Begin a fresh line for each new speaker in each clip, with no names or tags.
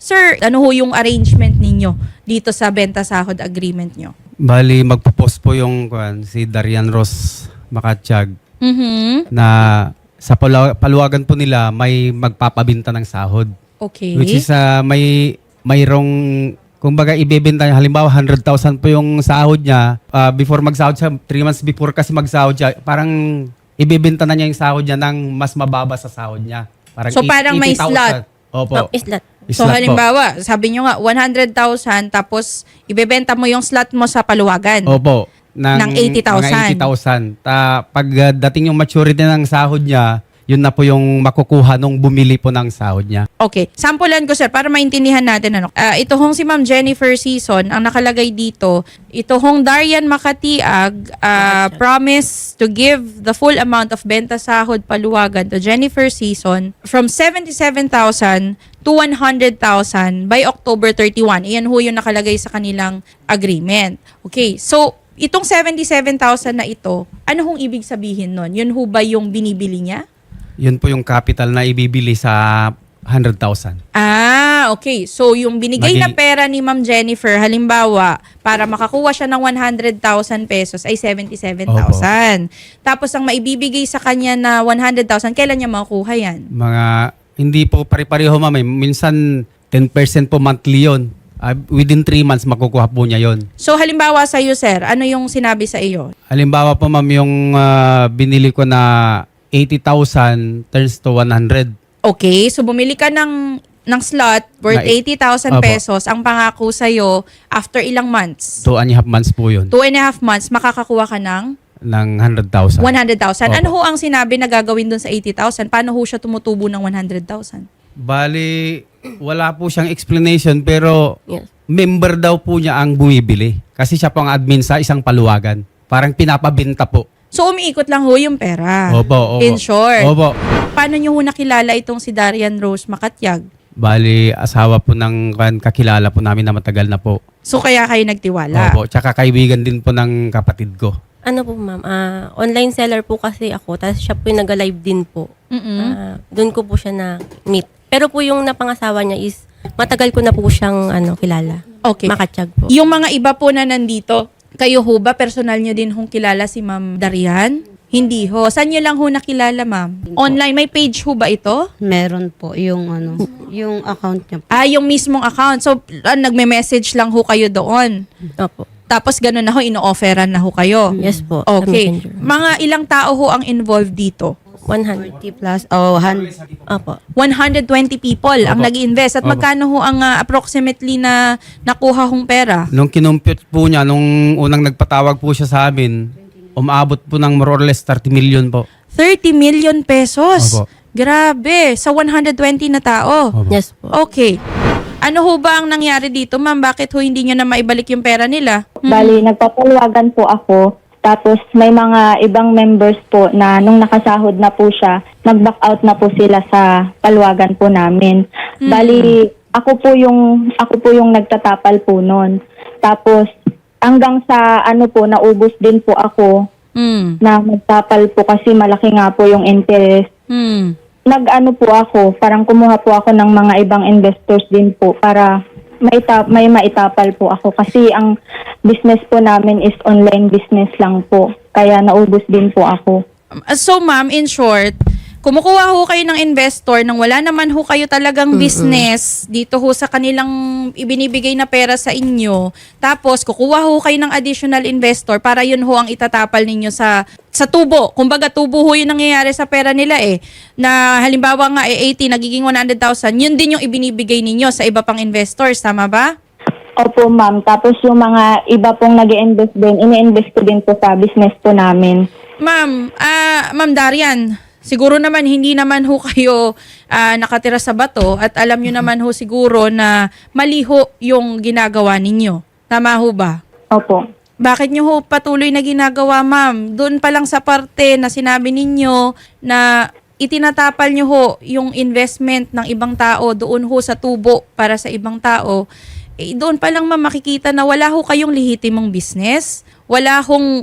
Sir, ano ho yung arrangement ninyo dito sa benta sahod agreement nyo?
Bali, magpo-post po yung si Darian Ross Makatsyag na sa paluwagan po nila may magpapabinta ng sahod.
Okay.
Which is mayroong, kumbaga ibebenta niya, halimbawa 100,000 po yung sahod niya. Before magsahod siya, 3 months before kasi magsahod siya, parang ibebenta na niya yung sahod niya ng mas mababa sa sahod niya.
So, parang may
80,000.
slot.
Opo.
Slot.
So
Slot po.
halimbawa, sabi nyo nga 100,000 tapos ibebenta mo yung slot mo sa paluwagan.
Opo.
Ng 80,000.
Ng 80,000. Pag dating yung maturity ng sahod niya, yun na po yung makukuha nung bumili po ng sahod niya.
Okay. Sampulan ko sir para maintindihan natin ano. Ito hong si Ma'am Jennifer Season, ang nakalagay dito, ito hong Darian Makatiag promise to give the full amount of benta sahod paluwagan to Jennifer Season from 77,000 to 100,000 by October 31. Iyan ho yung nakalagay sa kanilang agreement. Okay. So, itong 77,000 na ito, ano hong ibig sabihin nun? Yun ho ba yung binibili niya?
Yun po yung capital na ibibili sa 100,000.
Okay. So, yung binigay na pera ni Ma'am Jennifer, halimbawa, para makakuha siya ng 100,000 pesos ay 77,000. Tapos, ang maibibigay sa kanya na 100,000, kailan niya makukuha yan?
Hindi po pare-pareho, ma'am. Minsan 10% po monthly yun. Within 3 months, makukuha po niya yun.
So, halimbawa sa iyo, sir, ano yung sinabi sa iyo?
Halimbawa po, ma'am, yung binili ko na 80,000 turns to 100.
Okay. So, bumili ka ng slot worth 80,000
Opo.
pesos. Ang pangako sa iyo, after ilang months?
2.5 months po yun.
2.5 months, makakakuha ka ng
Ng 100,000.
100,000.
Opo.
Ano ho ang sinabi na gagawin dun sa 80,000? Paano ho siya tumutubo ng 100,000?
Bali, wala po siyang explanation pero
Yes.
member daw po niya ang bumibili. Kasi siya po ang admin sa isang paluwagan. Parang pinapabinta po.
So, umiikot lang ho yung pera.
Opo.
In short.
Opo.
Paano nyo ho nakilala itong si Darian Rose Makatiag?
Bali, asawa po ng kakilala po namin na matagal na po.
So, kaya kayo nagtiwala?
Opo. Tsaka kaibigan din po ng kapatid ko.
Ano po ma'am, online seller po kasi ako, tapos siya po yung nag-live din po. Doon ko po siya na-meet. Pero po yung napangasawa niya is, matagal ko na po siyang kilala.
Okay.
Makatsyag po.
Yung mga iba po na nandito, kayo ho ba, personal nyo din hong kilala si Ma'am Darian? Hindi ho. Saan nyo lang ho nakilala, ma'am? Online, may page ho ba ito?
Meron po yung yung account niya po.
Yung mismong account. So, nagme-message lang ho kayo doon.
Opo.
Tapos gano'n na ho, ino-offeran na ho kayo.
Yes po. sa
Okay.
Messenger.
Mga ilang tao ho ang involved dito?
100.
40 plus, oh,
Opo.
120 people ang
Opo.
nag-invest. At
Opo.
magkano ho ang approximately na nakuha hong pera?
Nung kinumpute po niya, nung unang nagpatawag po siya sa amin, umaabot po ng more or less 30 million po.
30 million pesos.
Opo.
Grabe. Sa 120 na tao.
Opo.
Yes po.
Okay. Ano ho ba ang nangyari dito, ma'am? Bakit ho hindi nyo na maibalik yung pera nila?
Bali, nagpapaluwagan po ako. Tapos may mga ibang members po na nung nakasahod na po siya, nag-back out na po sila sa paluwagan po namin. Bali, ako po yung nagtatapal po noon. Tapos hanggang sa naubos din po ako na magtapal po kasi malaki nga po yung interest. Nag-ano po ako, parang kumuha po ako ng mga ibang investors din po para may maitapal po ako kasi ang business po namin is online business lang po. Kaya naubos din po ako.
So, ma'am, in short, kumukuha ho kayo ng investor nang wala naman ho kayo talagang business dito ho sa kanilang ibinibigay na pera sa inyo. Tapos, kukuha ho kayo ng additional investor para yun ho ang itatapal ninyo sa tubo. Kumbaga, tubo ho yung nangyayari sa pera nila Na halimbawa nga 80, nagiging 100,000. Yun din yung ibinibigay ninyo sa iba pang investors. Tama ba?
Opo, ma'am. Tapos yung mga iba pong nag-i-invest din, ini-invest ko din po sa business po namin.
Ma'am, Ma'am Darian, siguro naman hindi naman ho kayo nakatira sa bato at alam nyo naman ho siguro na mali ho yung ginagawa ninyo. Tama ho ba?
Opo.
Bakit nyo ho patuloy na ginagawa, ma'am? Doon pa lang sa parte na sinabi ninyo na itinatapal nyo ho yung investment ng ibang tao doon ho sa tubo para sa ibang tao. Doon pa lang, ma'am, makikita na wala ho kayong lehitimong business. Wala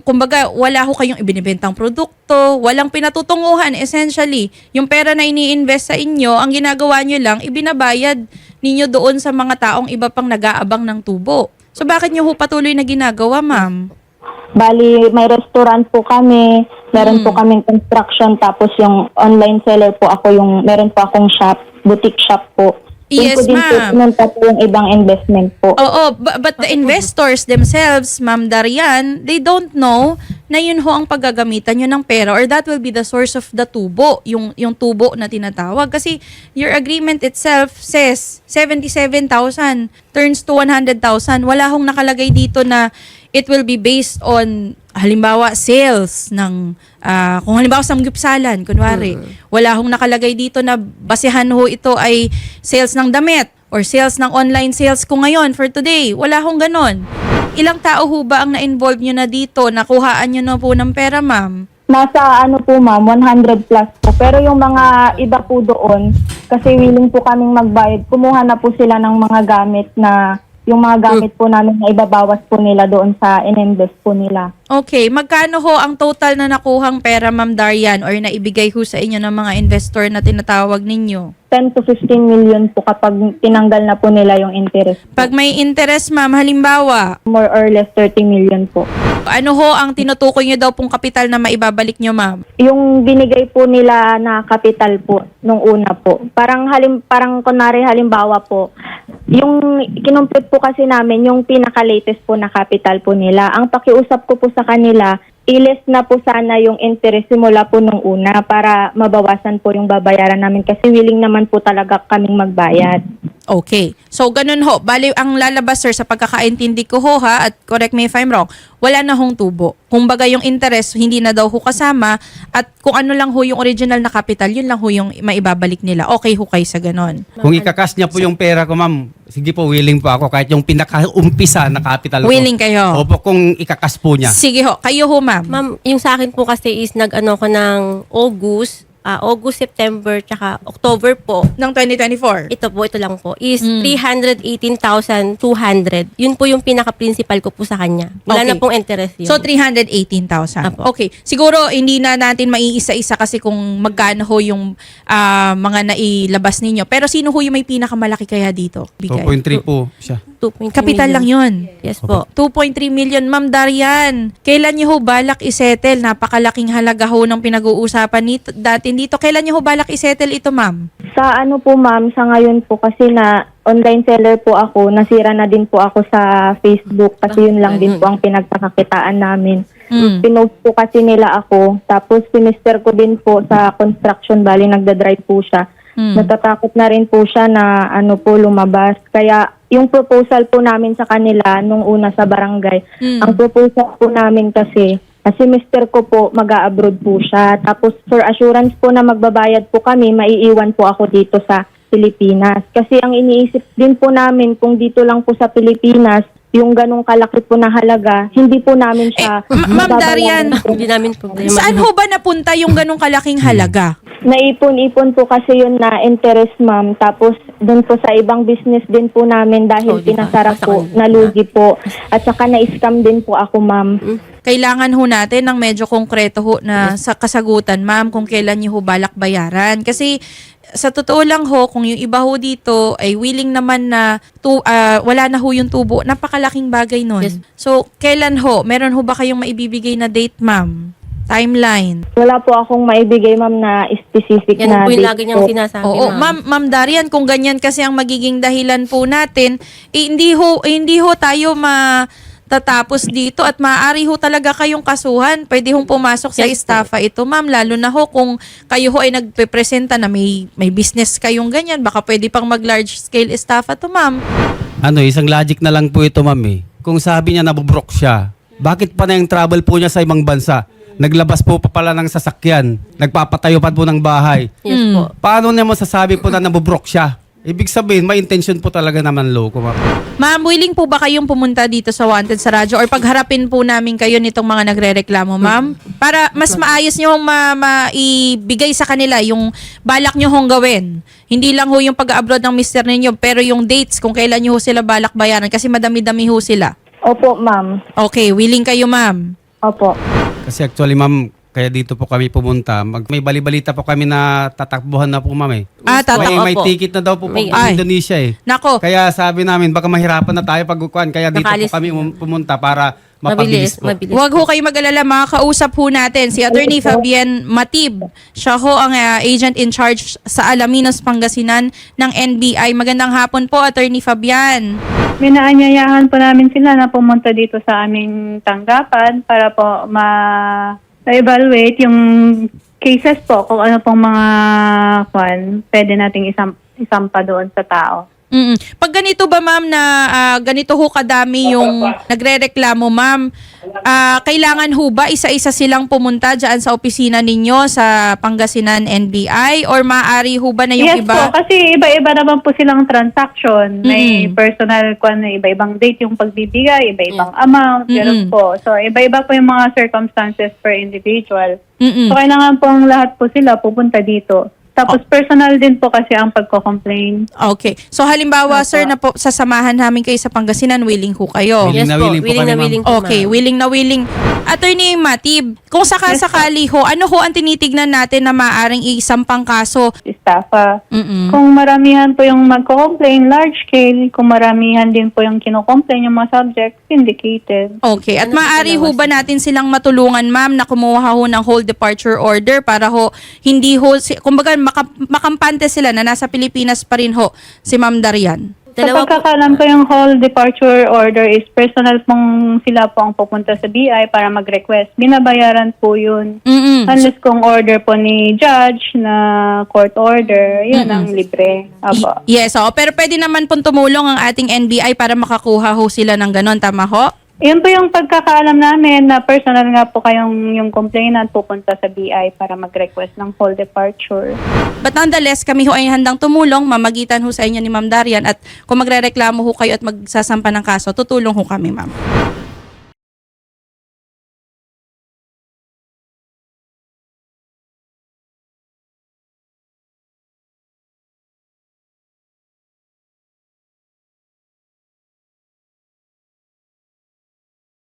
ho kayong ibinibentang produkto, walang pinatutunguhan essentially. Yung pera na ini-invest sa inyo, ang ginagawa nyo lang, ibinabayad ninyo doon sa mga taong iba pang nag-aabang ng tubo. So bakit nyo ho patuloy na ginagawa, ma'am?
Bali, may restaurant po kami, meron po kaming construction, tapos yung online seller po ako, meron po akong shop, boutique shop po.
Yes,
Doon po din po
ma'am.
pinunta po yung ibang investment po.
Oo, but the investors themselves, Ma'am Darian, they don't know na yun ho ang paggagamitan nyo ng pera or that will be the source of the tubo, yung tubo na tinatawag. Kasi your agreement itself says 77,000 turns to 100,000. Wala hong nakalagay dito na it will be based on halimbawa sales ng kung halimbawa samgyupsalan kunwari wala hong nakalagay dito na basehan ho ito ay sales ng damit or sales ng online sales ko ngayon for today. Wala hong ganon. Ilang tao ho ba ang na-involve nyo na dito? Nakuhaan nyo na po ng pera, ma'am?
Nasa po ma'am, 100 plus po. Pero yung mga iba po doon, kasi willing po kaming magbayad, kumuha na po sila ng mga gamit na yung mga gamit po namin na ibabawas po nila doon sa ininvest po nila.
Okay, magkano ho ang total na nakuhang pera, Ma'am Darian, or naibigay ho sa inyo ng mga investor na tinatawag ninyo?
10 to 15 million po kapag tinanggal na po nila yung interest.
Pag may interest, ma'am, halimbawa,
More or less 30 million po.
ano ho ang tinutukoy nyo daw pong kapital na maibabalik nyo, ma'am?
Yung binigay po nila na capital po nung una po. Parang kunwari halimbawa po, yung kinumpute po kasi namin yung pinaka-latest po na capital po nila. Ang pakiusap ko po sa kanila, i-less na po sana yung interest simula po nung una para mabawasan po yung babayaran namin kasi willing naman po talaga kaming magbayad.
Okay. So, ganun ho. Bali, ang lalabas, sir, sa pagkakaintindi ko ho, ha, at correct me if I'm wrong, wala na hong tubo. Kumbaga, yung interest, hindi na daw ho kasama, at kung ano lang ho yung original na capital, yun lang ho yung maibabalik nila. Okay ho kayo sa ganun.
Kung ikakas niya po yung pera ko, ma'am, sige po, willing po ako kahit yung pinaka-umpisa na capital ko.
Willing kayo?
Opo, kung ikakas po niya.
Sige ho. Kayo ho, ma'am.
Ma'am, yung sa akin po kasi is nag-ano ko ng August, September, tsaka October po.
Ng 2024.
Ito lang po, is 318,200. Yun po yung pinaka-principal ko po sa kanya. Wala
Okay.
na pong interest yun.
So, 318,000.
Apo.
Okay. Siguro, hindi na natin maiisa-isa kasi kung magkano ho yung mga nailabas ninyo. Pero sino ho yung may pinakamalaki kaya dito? Bigay.
2.3 po siya.
2.3
Kapital lang
million.
yun.
Yes po.
2.3 million. Ma'am Darian, kailan niyo ho balak isettle? Napakalaking halaga ho ng pinag-uusapan dati dito. Kailan niyo ho balak isettle ito, ma'am?
Sa po ma'am, sa ngayon po kasi na online seller po ako, nasira na din po ako sa Facebook kasi yun lang din po ang pinagpakakitaan namin. Pinost po kasi nila ako, tapos sinister ko din po sa construction, bali nagdadrive po siya. Natatakot na rin po siya na lumabas. Kaya yung proposal po namin sa kanila nung una sa barangay, ang proposal po namin kasi mister ko po mag-a-abroad po siya. Tapos for assurance po na magbabayad po kami, maiiwan po ako dito sa Pilipinas. Kasi ang iniisip din po namin kung dito lang po sa Pilipinas, yung ganong kalaki po na halaga, hindi po namin siya
Ma'am Darian,
Hindi namin problema.
saan ho ba napunta yung ganong kalaking halaga?
Naipon-ipon po kasi yun na interest, ma'am. Tapos doon po sa ibang business din po namin dahil
Oh, di ba?
pinasara po, nalugi po. At saka na-scam din po ako, ma'am.
Kailangan ho natin ng medyo konkreto ho na sa kasagutan, ma'am, kung kailan niyo ho balak bayaran. Kasi sa totoo lang ho, kung yung iba ho dito ay willing naman na wala na ho yung tubo, napakalaking bagay nun.
Yes.
So, kailan ho? Meron ho ba kayong maibibigay na date, ma'am? Timeline?
Wala po akong maibigay, ma'am, na specific
Yan
na
po yung
date
lagi niyang
po.
sinasabi,
Oo, Ma'am Darian, kung ganyan kasi ang magiging dahilan po natin, hindi ho tayo matatapos dito at maaari ho talaga kayong kasuhan. Pwede hong pumasok sa
Yes,
estafa ito, ma'am, lalo na ho kung kayo ho ay nagpepresenta na may business kayong ganyan, baka pwede pang mag-large scale estafa to, ma'am.
Isang logic na lang po ito, ma'am eh. Kung sabi niya nabubrok siya, bakit pa na yung travel po niya sa ibang bansa? Naglabas po pa pala ng sasakyan. Nagpapatayo pa po ng bahay.
Yes po.
Paano niya masasabi po na nabubrok siya? Ibig sabihin, may intention po talaga naman loko, ma'am.
Ma'am, willing po ba kayong pumunta dito sa Wanted sa radyo or pagharapin po namin kayo nitong mga nagrereklamo, ma'am? Para mas maayos nyo maibigay sa kanila yung balak nyo hong gawin. Hindi lang ho yung pag-abroad ng mister ninyo, pero yung dates kung kailan nyo ho sila balak bayaran kasi madami-dami ho sila.
Opo, ma'am.
Okay, willing kayo, ma'am?
Opo.
Kasi actually, ma'am, Kaya dito po kami pumunta. May balibalita po kami na tatakbuhan na po, ma'am eh. May
Opo.
ticket na daw po
May-
sa Indonesia eh.
Nako.
Kaya sabi namin, baka mahirapan na tayo pagkukuhan. Kaya dito
Nakaalis.
po kami pumunta para mapabilis po.
Mabilis.
Huwag ho kayo mag-alala, makakausap ho natin si Attorney Fabian Matib. Siya ho ang agent in charge sa Alaminos, Pangasinan ng NBI. Magandang hapon po, Attorney Fabian.
Minaanyayahan po namin sila na pumunta dito sa aming tanggapan para po ma-evaluate yung cases po kung ano pong mga pwede nating isampa doon sa tao.
Pag ganito ba, ma'am, na ganito ho kadami yung nagrereklamo, ma'am, kailangan ho ba isa-isa silang pumunta dyan sa opisina ninyo sa Pangasinan NBI or maaari ho ba na yung
Yes
iba?
po, kasi iba-iba naman po silang transaction. May personal na iba-ibang date yung pagbibigay, iba-ibang amount, gano'n po. So, iba-iba po yung mga circumstances per individual. So, kailangan po ang lahat po sila pupunta dito. Tapos personal din po kasi ang pagko-complain.
Okay. So halimbawa, sir, na po sasamahan namin kayo sa Pangasinan, willing ho kayo?
Willing
Yes
na
po,
willing po
willing
kami,
na
ma'am.
willing po,
Okay,
ma'am.
willing na willing. Attorney Matib, kung sakasakali ho, ano ho ang tinitignan natin na maaring isampang kaso?
Estafa.
Mm-mm.
Kung maramihan po yung magko-complain, large scale, kung maramihan din po yung kino-complain yung mga subject, vindicated.
Okay. At maaari ho ba natin silang matulungan, ma'am, na kumuha ho ng whole departure order para ho hindi ho, kumbaga makampante sila na nasa Pilipinas pa rin ho si Ma'am Darian?
Sa
Dalawa po.
pagkakalam ko yung whole departure order is personal pong sila po ang pupunta sa BI para mag-request. Binabayaran po yun. Unless kung order po ni judge na court order, yun ang libre. Apo.
Yes, pero pwede naman pong tumulong ang ating NBI para makakuha ho sila ng ganon, tama ho?
Yun po yung pagkakaalam namin na personal nga po kayong yung complainant pupunta sa BI para mag-request ng whole departure.
But nonetheless, kami ho ay handang tumulong, mamagitan ho sa inyo ni Ma'am Darian, at kung magrereklamo ho kayo at magsasampa ng kaso, tutulong ho kami, ma'am.